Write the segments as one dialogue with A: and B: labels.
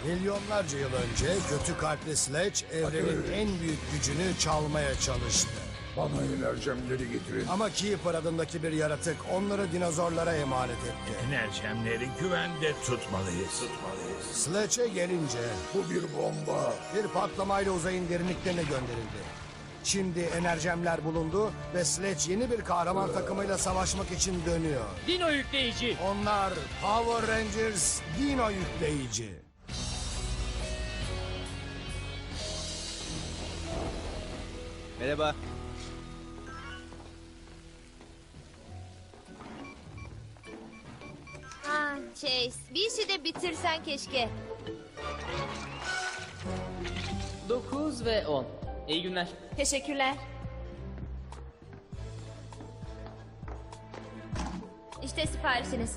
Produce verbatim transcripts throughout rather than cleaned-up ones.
A: Milyonlarca yıl önce kötü kalpli Sledge evrenin en büyük gücünü çalmaya çalıştı.
B: Bana enerjemleri getirin.
A: Ama Keeper adındaki bir yaratık onları dinozorlara emanet etti.
C: Enerjemleri güvende tutmalıyız. Tutmalıyız.
A: Sledge'e gelince
B: Bu bir bomba.
A: bir patlamayla uzayın derinliklerine gönderildi. Şimdi enerjemler bulundu ve Sledge yeni bir kahraman takımıyla savaşmak için dönüyor.
D: Dino yükleyici.
A: Onlar Power Rangers Dino Yükleyici.
E: Merhaba.
F: Ah Chase, bir işi de bitirsen keşke.
D: dokuz ve on. İyi günler.
F: Teşekkürler. İşte siparişiniz.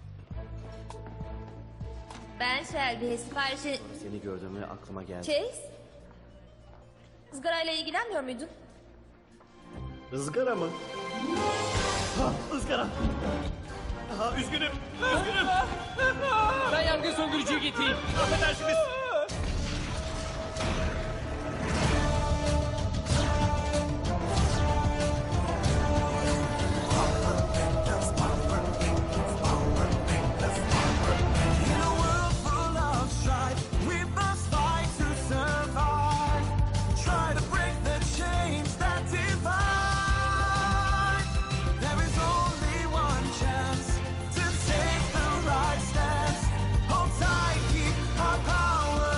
F: Ben Shelby, siparişi...
E: Seni gördüğümde aklıma geldi.
F: Chase? Izgarayla ilgilenmiyor muydun?
E: Izgara mı? Ha, ızgara. Ha, üzgünüm. Üzgünüm.
D: Ben yangın söndürücüyü getireyim.
E: Affedersiniz.
G: In a world full of strife, we must fight to survive. Try to break the chains that divide. There is only one chance to take the right stance. Hold tight, keep our power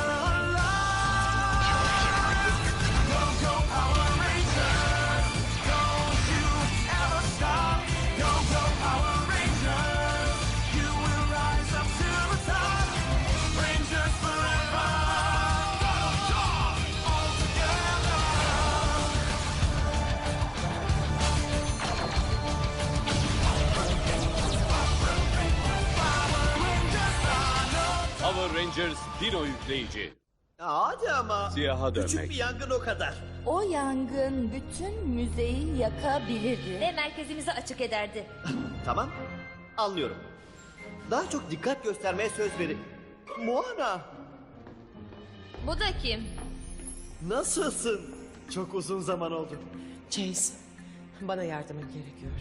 G: alive. Go, go, Power Rangers. Don't you ever stop. Go, go, Power Rangers. You will rise up to the top. Rangers forever. All together.
H: Power Rangers Dino Yükleyici.
E: Hadi ama.
H: Siyaha
E: Küçük
H: dönmek.
E: bir yangın o kadar.
I: O yangın bütün müzeyi yakabilirdi.
F: Ve merkezimizi açık ederdi.
E: Tamam. Anlıyorum. Daha çok dikkat göstermeye söz verin. Moana.
F: Bu da kim?
E: Nasılsın? Çok uzun zaman oldu.
J: Chase, bana yardımın gerekiyor.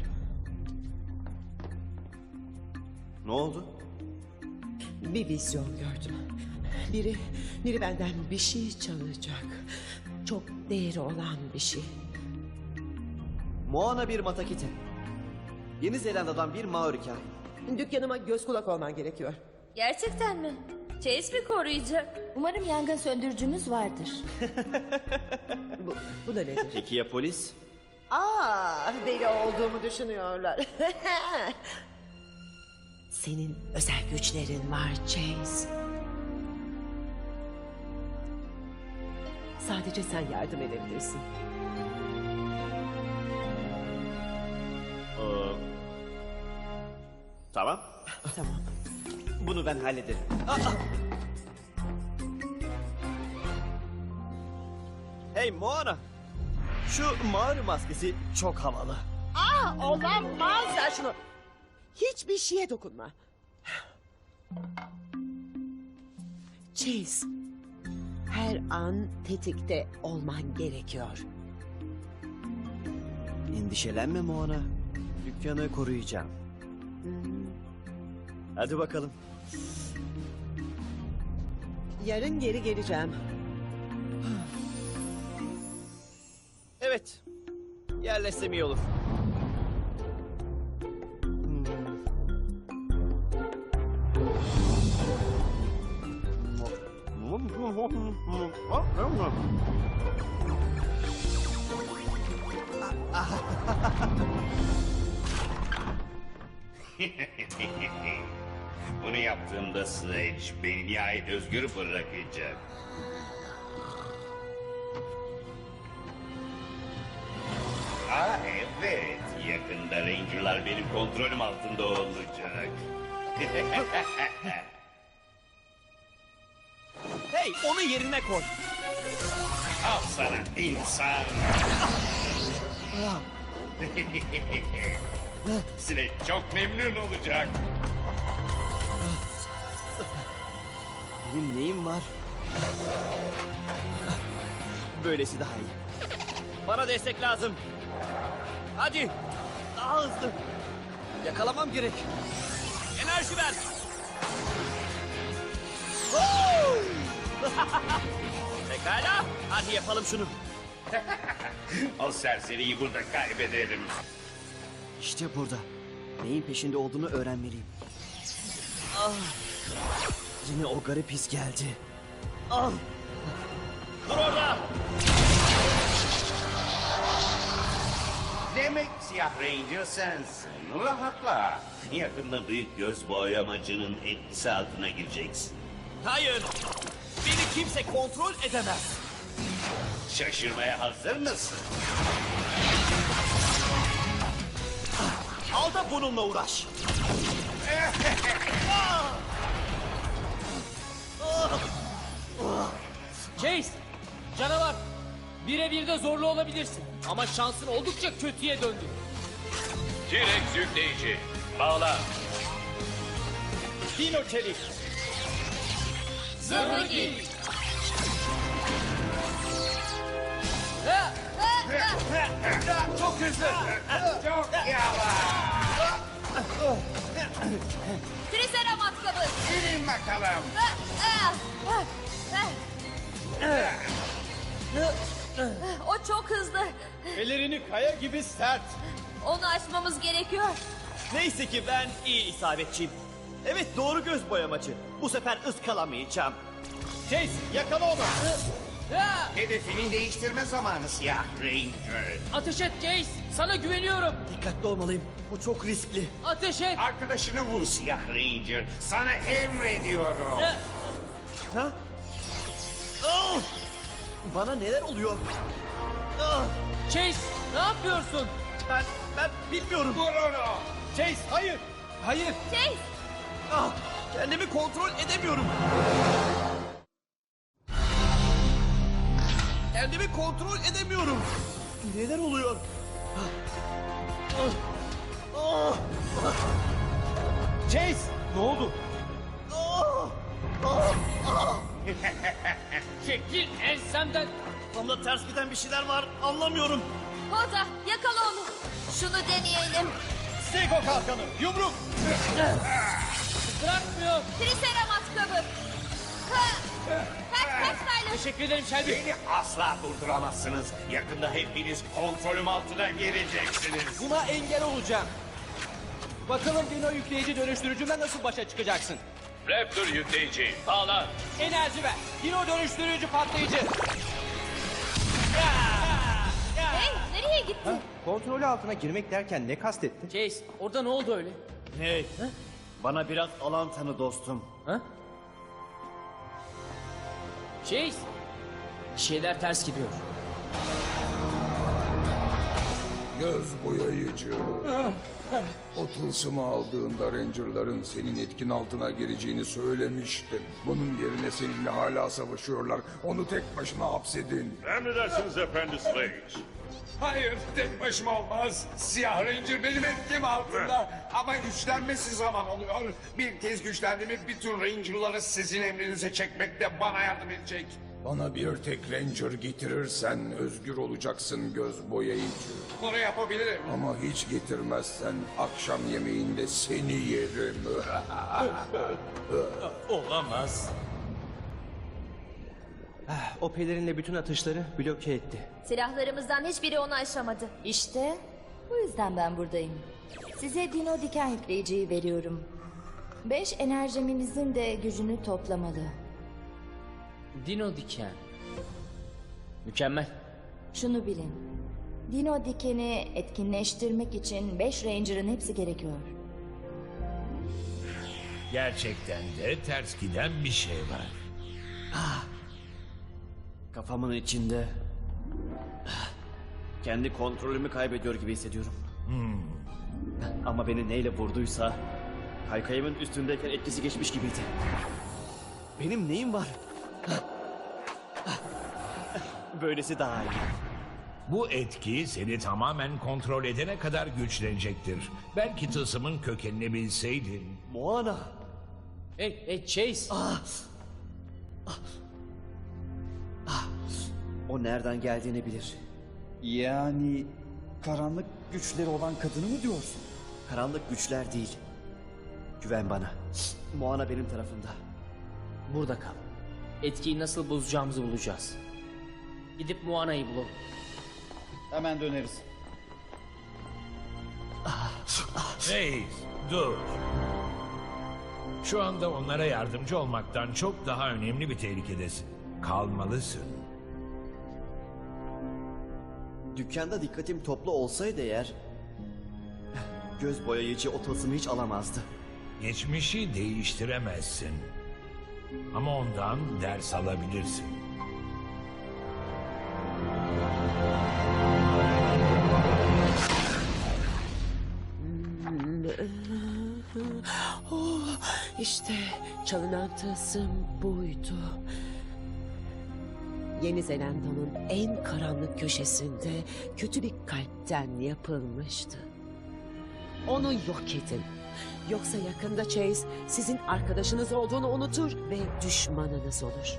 E: Ne oldu?
J: Bir vizyon gördüm. Biri, biri benden bir şey çalacak. Çok değeri olan bir şey.
E: Moana bir Matakite. Yeni Zelanda'dan bir Maoriken.
J: Dükkanıma göz kulak olman gerekiyor.
F: Gerçekten mi? Chase mi koruyacak?
I: Umarım yangın söndürücünüz vardır.
J: Bu, bu da nedir?
E: Peki ya polis?
J: Aa, deli olduğumu düşünüyorlar. Senin özel güçlerin var Chase. Sadece sen yardım edebilirsin.
E: Ee, tamam.
J: Tamam.
E: Bunu ben hallederim. Aa! Hey Moana. Şu mağara maskesi çok havalı.
J: Aa, olamaz. Ver şunu. Hiçbir şeye dokunma. Chase, her an tetikte olman gerekiyor.
E: Endişelenme Moana. Dükkanı koruyacağım. Hadi bakalım.
J: Yarın geri geleceğim.
E: Evet. Yerleşsem iyi olur.
C: Bunu yaptığımda Sledge beni nihayet özgür bırakacak. Aa evet, yakında Ranger'lar benim kontrolüm altında olacak.
E: Hey, onu yerine koy.
C: Al sana insan. Sledge çok memnun olacak.
E: Benim neyim var? Böylesi daha iyi. Bana destek lazım. Hadi. Daha hızlı. Yakalamam gerek. Enerji ver. Woo! Pekala. Hadi yapalım şunu.
C: O serseriyi burada kaybedelim.
E: İşte burada. Neyin peşinde olduğunu öğrenmeliyim. Ah. Yine o garip his geldi. Ah.
C: Dur orada. Demek siyah Ranger sensin. Rahatla. Yakında büyük göz boyamacının etkisi altına gireceksin.
E: Hayır. Beni kimse kontrol edemez.
C: Şaşırmaya hazır mısın?
E: Al da bununla uğraş.
D: Chase! Canavar! Birebir de zorlu olabilirsin. Ama şansın oldukça kötüye döndü.
H: T-Rex yükleyici. Bağla.
D: Dino çelik.
F: Zırhlı giy.
D: Ha!
C: Çok hızlı. Çok yavaş.
F: Triseramat kabı.
C: Gelin bakalım.
F: Ah, ah, ah, ah. O çok hızlı.
E: Ellerini kaya gibi sert.
F: Onu aşmamız gerekiyor.
E: Neyse ki ben iyi isabetçiyim. Evet doğru göz boyamacı. Bu sefer ıskalamayacağım. Chase yakala onu.
D: Ha!
C: Hedefini değiştirme zamanı siyah Ranger.
D: Ateş et Chase! Sana güveniyorum.
E: Dikkatli olmalıyım. Bu çok riskli.
D: Ateş et!
C: Arkadaşını vur siyah Ranger. Sana emrediyorum.
D: Ha!
E: Ha? Ah! Bana neler oluyor? Ah!
D: Chase! Ne yapıyorsun?
E: Ben ben bilmiyorum.
C: Vur onu.
E: Chase hayır. Hayır.
F: Chase!
E: Ah! Kendimi kontrol edemiyorum. Kendimi kontrol edemiyorum. Neler oluyor? Ah! Ah! Ah! Chase ne oldu? Ah! Ah! Ah!
D: Çekil ensemden!
E: Kafamda ters giden bir şeyler var. Anlamıyorum.
F: Hoda yakala onu. Şunu deneyelim.
E: Sego kalkanı. Yumruk.
D: Bırakmıyor!
F: Triseramat kabı. Ha! Kaç kaç Tyler.
D: Teşekkür ederim Shelby.
C: Beni asla durduramazsınız. Yakında hepiniz kontrolüm altına geleceksiniz.
D: Buna engel olacağım. Bakalım Dino yükleyici dönüştürücümle nasıl başa çıkacaksın?
H: Raptor yükleyici. Bağla.
D: Enerji ver. Dino dönüştürücü patlayıcı.
F: Hey nereye gitti?
E: Kontrolü altına girmek derken ne kastettin?
D: Chase orada ne oldu öyle?
E: Hey. Bana biraz alan tanı dostum.
D: Ha? Chase! Bir şeyler ters gidiyor.
B: Göz boyayıcı. O tılsımı aldığında Ranger'ların senin etkin altına gireceğini söylemiştim. Bunun yerine seninle hala savaşıyorlar. Onu tek başına hapsedin.
H: Emredersiniz efendi Strange.
B: Hayır, tek başıma olmaz. Siyah Ranger benim etkim altında. Ama güçlenmesi zaman oluyor. Bir kez güçlendi mi bütün Ranger'ları sizin emrinize çekmekte bana yardım edecek. Bana bir tek Ranger getirirsen özgür olacaksın göz boyayıcı. Bunu yapabilirim. Ama hiç getirmezsen akşam yemeğinde seni yerim.
H: Olamaz.
E: O pelerinle bütün atışları bloke etti.
F: Silahlarımızdan hiçbiri onu aşamadı.
I: İşte bu yüzden ben buradayım. Size Dino diken yükleyiciyi veriyorum. Beş enerjiminizin de gücünü toplamalı.
D: Dino diken. Mükemmel.
I: Şunu bilin. Dino dikeni etkinleştirmek için beş Ranger'ın hepsi gerekiyor.
K: Gerçekten de ters giden bir şey var.
E: Kafamın içinde kendi kontrolümü kaybediyor gibi hissediyorum. Ama beni neyle vurduysa kaykayımın üstündeyken etkisi geçmiş gibiydi. Benim neyim var? Böylesi daha iyi.
K: Bu etki seni tamamen kontrol edene kadar güçlenecektir. Belki tılsımın kökenini bilseydin.
E: Moana.
D: Hey, hey Chase.
E: O nereden geldiğini bilir.
L: Yani karanlık güçleri olan kadını mı diyorsun?
E: Karanlık güçler değil. Güven bana. Moana benim tarafımda.
D: Burada kal. Etkiyi nasıl bozacağımızı bulacağız. Gidip Moana'yı bulalım.
L: Hemen döneriz.
K: Reis, dur. Şu anda onlara yardımcı olmaktan çok daha önemli bir tehlikedesin. Kalmalısın.
E: Dükkanda dikkatim toplu olsaydı eğer... göz boyayıcı o tılsımı hiç alamazdı.
K: Geçmişi değiştiremezsin. Ama ondan ders alabilirsin.
J: Oh, işte çalınan tılsım buydu. Yeni Zelanda'nın en karanlık köşesinde kötü bir kalpten yapılmıştı. Onu yok edin. Yoksa yakında Chase sizin arkadaşınız olduğunu unutur ve düşmanınız olur.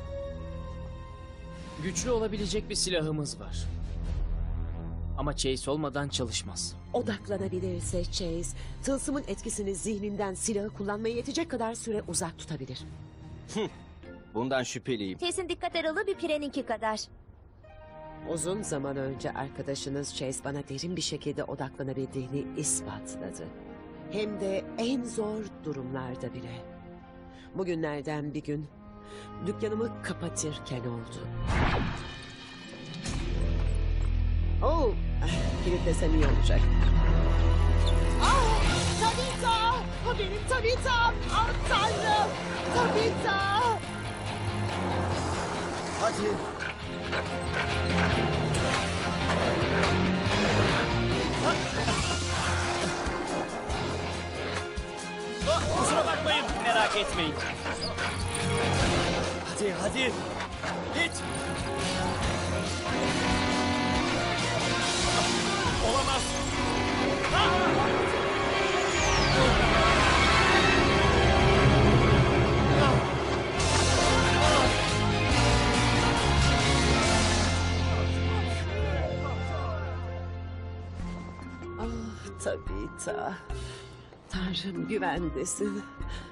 D: Güçlü olabilecek bir silahımız var. Ama Chase olmadan çalışmaz.
J: Odaklanabilirse Chase, tılsımın etkisini zihninden silahı kullanmaya yetecek kadar süre uzak tutabilir.
E: Bundan şüpheliyim.
F: Chase'in dikkat aralığı bir pireninki kadar.
J: Uzun zaman önce arkadaşınız Chase bana derin bir şekilde odaklanabildiğini ispatladı. Hem de en zor durumlarda bile. Bugünlerden bir gün dükkanımı kapatırken oldu. Oh, kilitlesem iyi olacak. Ah, Tabitha! O benim Tabitha'm! Ah Tanrım! Tabitha!
E: Hadi. Kusura bakmayın, merak etmeyin. Hadi, hadi. Git. Olamaz.
J: Ah Tabitha. Tanrım güvendesin.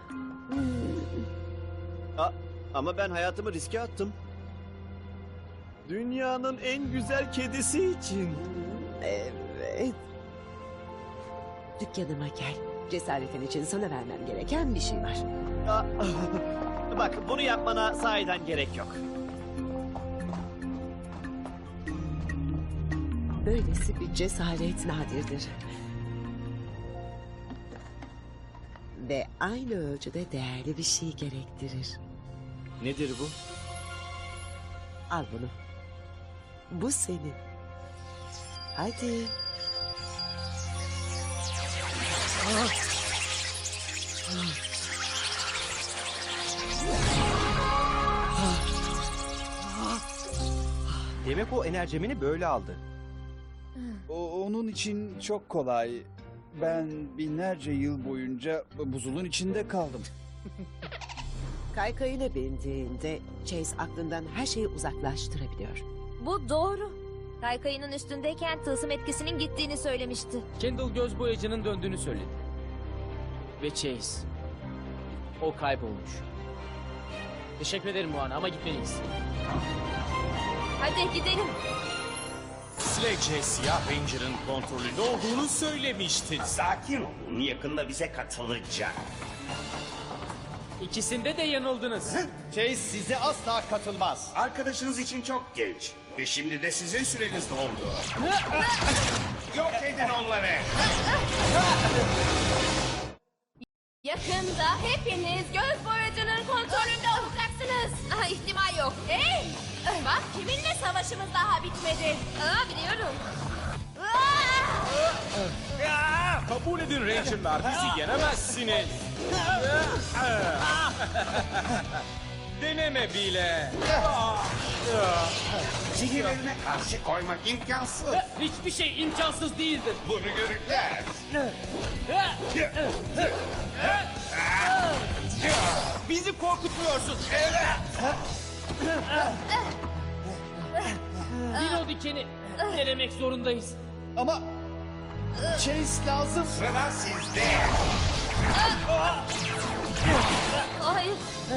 E: A- ama ben hayatımı riske attım. Dünyanın en güzel kedisi için.
J: Evet. Dükkanıma gel. Cesaretin için sana vermem gereken bir şey var.
E: Aa, bak bunu yapmana sahiden gerek yok.
J: Böylesi bir cesaret nadirdir. Ve aynı ölçüde değerli bir şey gerektirir.
E: Nedir bu?
J: Al bunu. Bu senin. Hadi.
E: Demek o enerjimini böyle aldı.
L: O, onun için çok kolay. Ben binlerce yıl boyunca buzulun içinde kaldım.
J: Kaykayına bindiğinde Chase aklından her şeyi uzaklaştırabiliyor.
F: Bu doğru. Kaykayının üstündeyken tılsım etkisinin gittiğini söylemişti.
D: Kendall göz boyacının döndüğünü söyledi. Ve Chase. O kaybolmuş. Teşekkür ederim Moana ama gitmeliyiz.
F: Hadi gidelim.
H: Sledge Siyah Ranger'ın kontrolünde olduğunu söylemiştin.
C: Sakin olun, yakında bize katılacak.
D: İkisinde de yanıldınız.
L: Chase size asla katılmaz.
B: Arkadaşınız için çok genç. Ve şimdi de sizin süreniz doldu. Yok edin onları.
F: Yakında hepiniz göz boyacının kontrolünde olacaksınız. Aha, ihtimal yok. Hey! Bak kiminle savaşımız daha bitmedi. Aa, biliyorum. Aa!
H: Kabul edin Ranger'lar, bizi yenemezsiniz. Deneme bile.
B: Sihirlerine karşı koymak imkansız.
D: Hiçbir şey imkansız değildir.
B: Bunu görürler.
H: Bizi korkutmuyorsun.
D: Dino dikeni denemek zorundayız.
L: Ama Chase lazım.
B: Sıra sizde.
F: Hayır.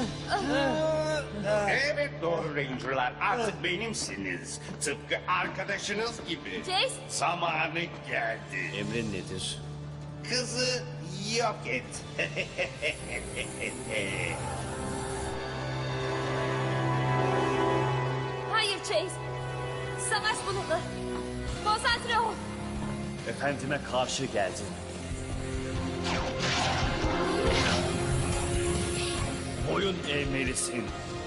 B: Evet doğru Ranger'lar artık benimsiniz. Tıpkı arkadaşınız gibi.
F: Chase.
B: Zamanı geldi.
E: Emrin nedir?
B: Kızı yok et.
F: Hayır Chase. Savaş bununla. Konsantre ol.
E: Efendime karşı geldin. Boyun eğmelisin.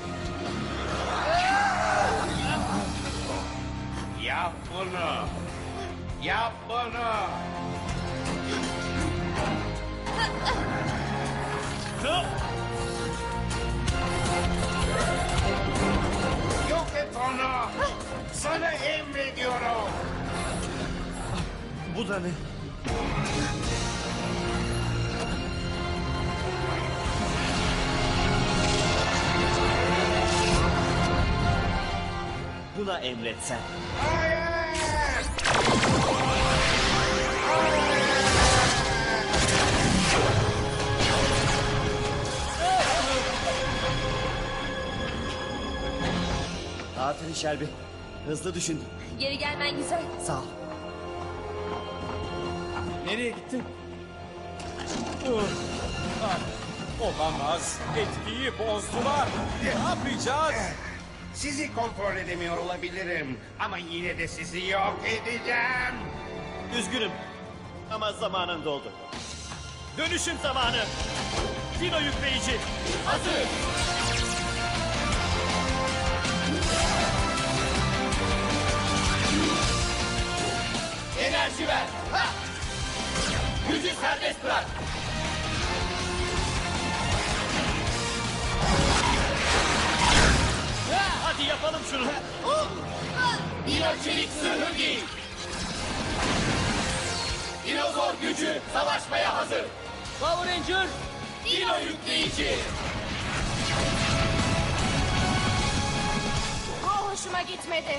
B: Yap bunu. Yap bunu. Yok et onu. Sana emrediyorum.
E: Bu da ne? Buna emretsen. Aferin Shelby. Hızlı düşün.
F: Geri gelmen güzel.
E: Sağ ol.
H: Nereye gittin? Ah, olamaz. Etkiyi bozdular. Ne yapacağız?
B: Sizi kontrol edemiyor olabilirim. Ama yine de sizi yok edeceğim.
E: Üzgünüm. Ama zamanın doldu. Dönüşüm zamanı. Dino yükleyici. Hazır.
H: Enerji ver. Ha! Gücü serbest bırak.
E: Hadi yapalım şunu.
H: Dino çelik zırhı giy. Dinozor gücü savaşmaya hazır.
D: Power Ranger.
H: Dino yükleyici.
F: Bu hoşuma gitmedi.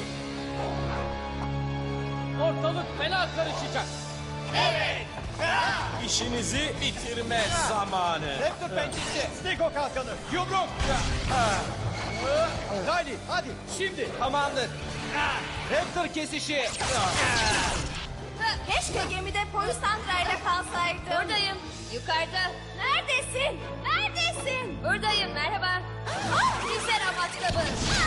D: Ortalık fena karışacak.
H: Evet. İşinizi bitirme zamanı.
L: Raptor pençesi.
E: Stego kalkanı.
H: Yumruk.
L: Riley hadi.
H: Şimdi tamamdır. Raptor kesişi.
F: Keşke gemide polis santrayla kalsaydım. Buradayım. Yukarıda. Neredesin? Neredesin? Buradayım. Merhaba. Ah, Triceratops matkabı.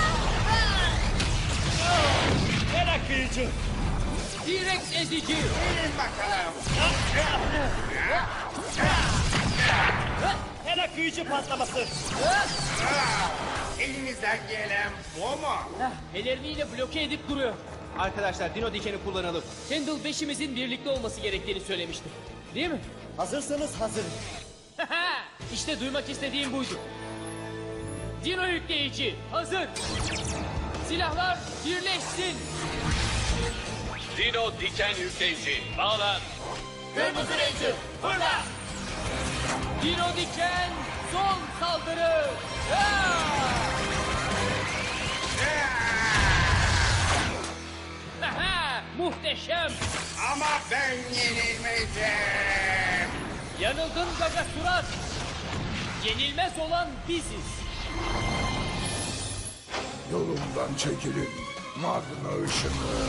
E: Merak kıyıcı.
D: T-Rex ezici.
B: Gelin bakalım.
E: Merak kıyıcı patlaması.
B: Elinizden gelen bu mu?
D: Elleriyle bloke edip duruyor.
H: Arkadaşlar Dino dikeni kullanalım.
D: Kendall beşimizin birlikte olması gerektiğini söylemişti. Değil mi?
E: Hazırsanız hazırım.
D: İşte duymak istediğim buydu. Dino yükleyici hazır. Silahlar birleşsin.
H: Dino diken yükleyici. Bağlan.
D: Kırmızı Ranger fırla. Dino diken son saldırı. Aha, muhteşem.
B: Ama ben yenilmeyeceğim.
D: Yanıldın Gaga Surat. Yenilmez olan biziz.
M: Yolumdan çekilin. Magna ışını.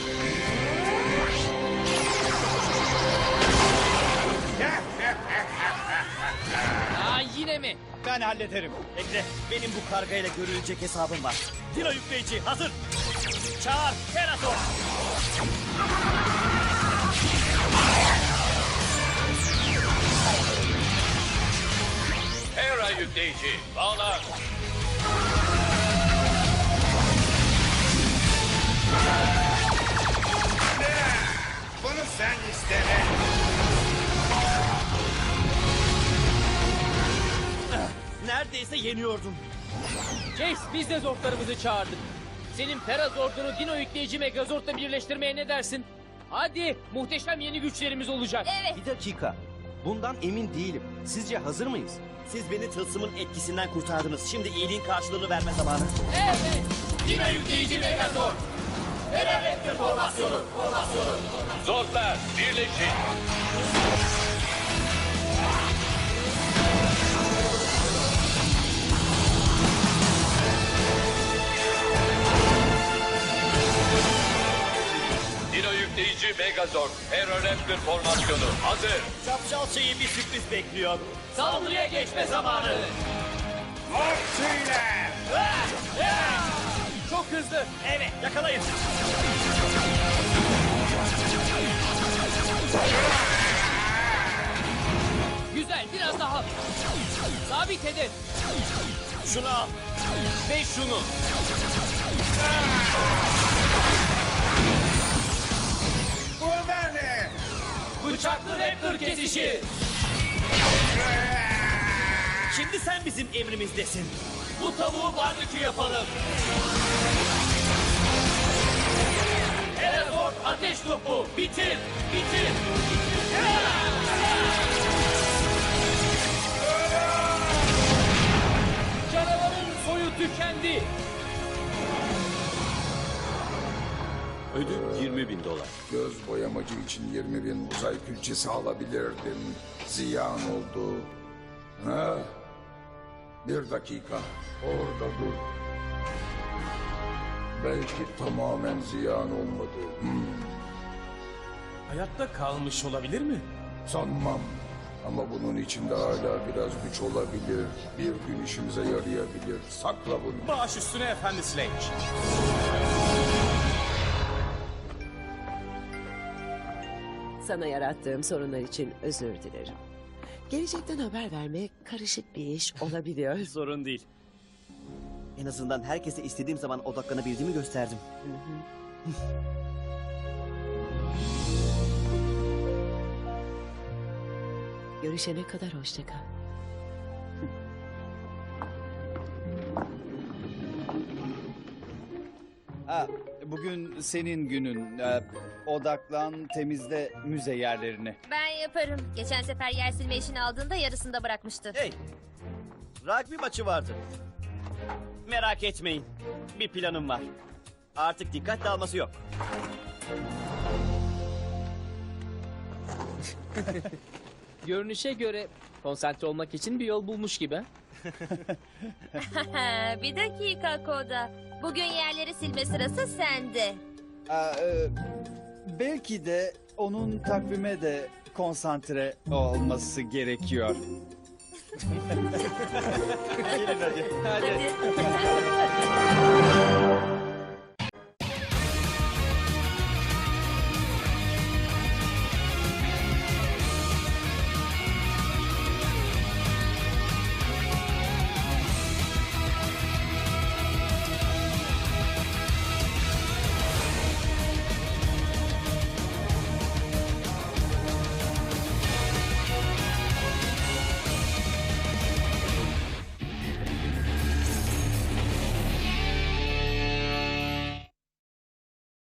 D: Aa, yine mi?
E: Ben hallederim. Bekle. Benim bu kargayla görülecek hesabım var. Dino yükleyici hazır. Çağır Terator.
H: Hera yükleyici. Bağlan.
B: Bunu sen istedin.
E: Neredeyse yeniyordum.
D: Chase, biz de zortlarımızı çağırdık. Senin Perazord'unu Dino yükleyici Megazord'la birleştirmeye ne dersin? Hadi, muhteşem yeni güçlerimiz olacak.
F: Evet.
N: Bir dakika. Bundan emin değilim. Sizce hazır mıyız?
E: Siz beni tılsımın etkisinden kurtardınız. Şimdi iyiliğin karşılığını verme zamanı.
H: Evet. Dino yükleyici Megazord. Terroraptor formasyonu. Formasyonu.
N: Zordlar birleşin. Dino yükleyici Megazord. Terroraptor formasyonu. Hazır.
E: Şapşal şeyi bir sürpriz bekliyor.
H: Saldırıya geçme zamanı.
B: Ortuyla.
D: Çok hızlı.
E: Evet, yakalayın.
D: Güzel, biraz daha. Sabit edin.
E: Şunu al.
D: Ve şunu.
B: Bu da ne?
H: Bıçaklı Raptor kesişi.
E: Şimdi sen bizim emrimizdesin.
H: Bu tavuğu barbekü yapalım. Megazord ateş topu. Bitir. Bitir.
D: Canavarın soyu tükendi.
N: Ödül yirmi bin dolar.
M: Göz boyamacı için yirmi bin uzay külçesi alabilirdim. Ziyan oldu. Ha? Bir dakika. Orada dur. Belki tamamen ziyan olmadı. Hmm,
N: Hayatta kalmış olabilir mi?
M: sanmam. Ama bunun içinde hala biraz güç olabilir. Bir gün işimize yarayabilir. Sakla bunu.
N: Baş üstüne efendi Sledge.
J: Sana yarattığım sorunlar için özür dilerim. Gelecekten haber vermek karışık bir iş olabiliyor.
E: Sorun değil. En azından herkese istediğim zaman odaklanabildiğimi gösterdim.
J: Görüşene kadar hoşça kal.
L: Ha, bugün senin günün. Ee, odaklan, temizle müze yerlerini.
F: Ben yaparım. Geçen sefer yer silme işini aldığında yarısında bırakmıştı.
E: Hey! Rugby maçı vardı. Merak etmeyin. Bir planım var. Artık dikkat dağılması yok.
D: Görünüşe göre konsantre olmak için bir yol bulmuş gibi.
F: Bir dakika Koda. Bugün yerleri silme sırası sende.
L: Aa, e, belki de onun takvime de konsantre olması gerekiyor.
E: Gelin hadi.
F: Hadi.